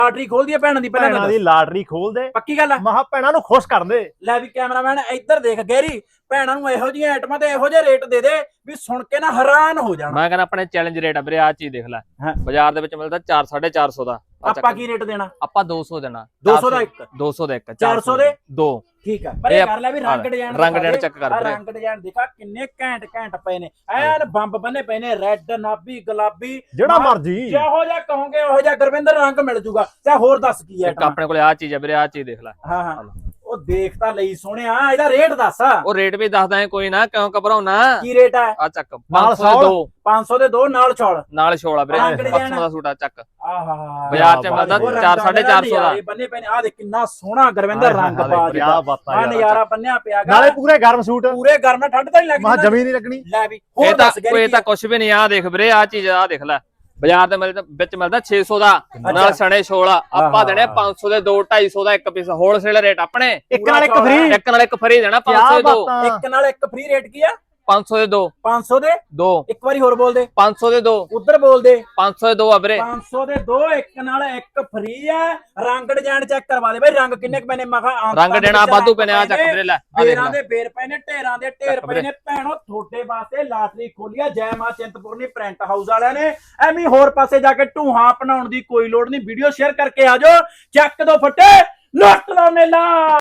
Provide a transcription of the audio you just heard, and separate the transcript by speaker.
Speaker 1: Lottery ਖੋਲ ਦੀ ਭੈਣਾਂ ਦੀ,
Speaker 2: ਭੈਣਾਂ ਦੀ ਲਾਟਰੀ ਖੋਲ ਦੇ,
Speaker 1: ਪੱਕੀ ਗੱਲ ਆ।
Speaker 2: ਮਹਾ ਭੈਣਾਂ ਨੂੰ ਖੁਸ਼ ਕਰ ਦੇ।
Speaker 1: ਲੈ ਵੀ ਕੈਮਰਾਮੈਨ ਇੱਧਰ ਦੇਖ ਗਹਿਰੀ, ਭੈਣਾਂ ਨੂੰ ਇਹੋ ਜਿਹੀਆਂ ਆਈਟਮਾਂ ਤੇ ਇਹੋ ਜਿਹੇ ਰੇਟ ਦੇ ਦੇ ਵੀ ਸੁਣ ਕੇ ਨਾ ਹੈਰਾਨ ਹੋ ਜਾਣਾ।
Speaker 3: ਮੈਂ ਕਹਿੰਦਾ ਆਪਣੇ ਚੈਲੰਜ ਰੇਟ ਆ ਵੀਰੇ, ਆ ਚੀਜ਼ ਦੇਖ ਲੈ, ਬਾਜ਼ਾਰ ਦੇ ਵਿੱਚ ਮਿਲਦਾ 400-450 ਦਾ,
Speaker 1: ਆਪਾਂ ਕੀ ਰੇਟ ਦੇਣਾ?
Speaker 3: ਆਪਾਂ 200 ਦੇਣਾ।
Speaker 1: 200 ਦਾ ਇੱਕ,
Speaker 3: 200 ਦਾ ਇੱਕ,
Speaker 1: 400 ਦੇ
Speaker 3: ਦੋ।
Speaker 1: ਠੀਕ ਆ, ਪਰ ਇਹ ਕਰ ਲੈ ਵੀ ਰੰਗ ਡਿਜ਼ਾਈਨ,
Speaker 3: ਰੰਗ ਡਿਜ਼ਾਈਨ ਚੈੱਕ ਕਰ ਵੀਰੇ,
Speaker 1: ਰੰਗ ਡਿਜ਼ਾਈਨ ਦੇਖਾ ਕਿੰਨੇ ਘੈਂਟ ਘੈਂਟ ਪਏ ਨੇ, ਐਨ ਬੰਬ ਬੰਨੇ ਪਏ ਨੇ, ਰੈੱਡ, ਨਾਭੀ, ਗੁਲਾਬੀ,
Speaker 2: ਜਿਹੜਾ ਮਰਜੀ
Speaker 1: ਜਿਹੋ ਜਿਹਾ ਕਹੋਗੇ ਉਹੋ ਜਿਹਾ ਗੁਰਵਿੰਦਰ ਰੰਗ ਮਿਲ ਜੂਗਾ। ਤੇ ਹੋਰ ਦੱਸ ਕੀ ਹੈ
Speaker 3: ਆਪਣੇ ਕੋਲੇ ਆ ਚੀਜ਼ ਆ ਵੀਰੇ, ਆ ਚੀਜ਼ ਦੇਖ ਲੈ।
Speaker 1: ਹਾਂ ਹਾਂ, ਉਹ ਦੇਖ ਤਾਂ ਲਈ ਸੋਹਣਿਆ, ਇਹਦਾ ਰੇਟ ਦੱਸ।
Speaker 3: ਉਹ ਰੇਟ ਵੀ ਦੱਸਦਾ ਹੈ, ਕੋਈ ਨਾ, ਕਿਉਂ ਘਬਰਾਉਣਾ।
Speaker 1: ਕੀ ਰੇਟ ਹੈ?
Speaker 3: ਆ ਚੱਕ 500 ਦੇ 2,
Speaker 1: 500 ਦੇ 2 ਨਾਲ ਛੋਲ,
Speaker 3: ਨਾਲ ਛੋਲਾ ਵੀਰੇ, 500 ਦਾ ਸੂਟ ਆ ਚੱਕ।
Speaker 1: ਆਹਾ,
Speaker 3: ਬਾਜ਼ਾਰ ਚ ਮਿਲਦਾ 400-450 ਦਾ।
Speaker 1: ਬੰਨੇ ਪਏ ਨੇ, ਆ ਦੇਖ ਕਿੰਨਾ ਸੋਹਣਾ ਗੁਰਵਿੰਦਰ ਰੰਗ ਬਾਜ ਦਾ, ਆ ਨਜ਼ਾਰਾ ਬੰਨਿਆ ਪਿਆ ਗਾ।
Speaker 2: ਨਾਲੇ ਪੂਰੇ ਗਰਮ ਸੂਟ,
Speaker 1: ਪੂਰੇ ਗਰਮ, ਠੰਡ ਤਾਂ ਨਹੀਂ ਲੱਗਦੀ,
Speaker 2: ਮਾ ਜਮੀ ਨਹੀਂ ਲੱਗਣੀ।
Speaker 1: ਲੈ ਵੀ ਹੋਰ ਦੱਸ
Speaker 3: ਇਹ ਤਾਂ ਕੁਛ ਵੀ ਨਹੀਂ, ਆ ਦੇਖ ਵੀਰੇ, ਆ ਚੀਜ਼ ਆ ਦੇਖ ਲੈ, ਬਾਜ਼ਾਰ ਦੇ ਵਿੱਚ ਮਿਲਦਾ 600 ਦਾ, ਨਾਲ ਸਣੇ ਛੋਲਾ। ਆਪਾਂ ਦੇਣੇ 500 ਦੇ 2, 250 ਦਾ ਇੱਕ ਪੀਸ, ਹੋਲਸੇਲ ਰੇਟ ਆਪਣੇ।
Speaker 2: ਇੱਕ ਨਾਲ ਇੱਕ ਫ੍ਰੀ,
Speaker 3: ਇੱਕ ਨਾਲ ਇੱਕ ਫ੍ਰੀ ਦੇਣਾ, 500 ਦੇ 2।
Speaker 1: ਇੱਕ ਨਾਲ ਇੱਕ ਫ੍ਰੀ ਰੇਟ ਕੀ ਆ?
Speaker 3: 500 ਦੇ 2,
Speaker 1: 500 ਦੇ
Speaker 3: 2।
Speaker 1: ਇੱਕ ਵਾਰੀ ਹੋਰ ਬੋਲ ਦੇ,
Speaker 3: 500 ਦੇ 2,
Speaker 1: ਉਧਰ ਬੋਲ ਦੇ,
Speaker 3: 500 ਦੇ 2 ਆ ਵੀਰੇ।
Speaker 1: 500 ਦੇ 2, ਇੱਕ ਨਾਲ ਇੱਕ ਫ੍ਰੀ ਆ। ਰੰਗ ਡਿਜ਼ਾਈਨ ਚੈੱਕ ਕਰਵਾ ਦੇ ਬਈ, ਰੰਗ ਕਿੰਨੇ ਕ ਪਏ ਨੇ? ਮੈਂ ਕਿਹਾ
Speaker 3: ਰੰਗ ਦੇਣਾ ਵਾਧੂ ਪਏ ਨੇ, ਆ ਚੱਕ ਵੀਰੇ ਲੈ, ਆ ਦੇਖ
Speaker 1: ਢੇਰਾਂ
Speaker 3: ਲੈ,
Speaker 1: ਦੇ ਬੇਰ ਪਏ ਨੇ, ਢੇਰਾਂ ਦੇ ਢੇਰ ਪਏ ਨੇ। ਭੈਣੋ ਤੁਹਾਡੇ ਵਾਸਤੇ ਲਾਟਰੀ ਖੋਲੀ ਆ ਜੈ ਮਾਂ ਚਿੰਤਪੁਰਨੀ ਪ੍ਰਿੰਟ ਹਾਊਸ ਵਾਲਿਆਂ ਨੇ। ਐਵੇਂ ਹੋਰ ਪਾਸੇ ਜਾ ਕੇ ਢੂਹਾਂ ਅਪਣਾਉਣ ਦੀ ਕੋਈ ਲੋੜ ਨਹੀਂ, ਵੀਡੀਓ ਸ਼ੇਅਰ ਕਰਕੇ ਆ ਜਾਓ, ਚੱਕ ਦੋ ਫੱਟੇ, ਲੁੱਟ ਲਓ ਮੇਲਾ।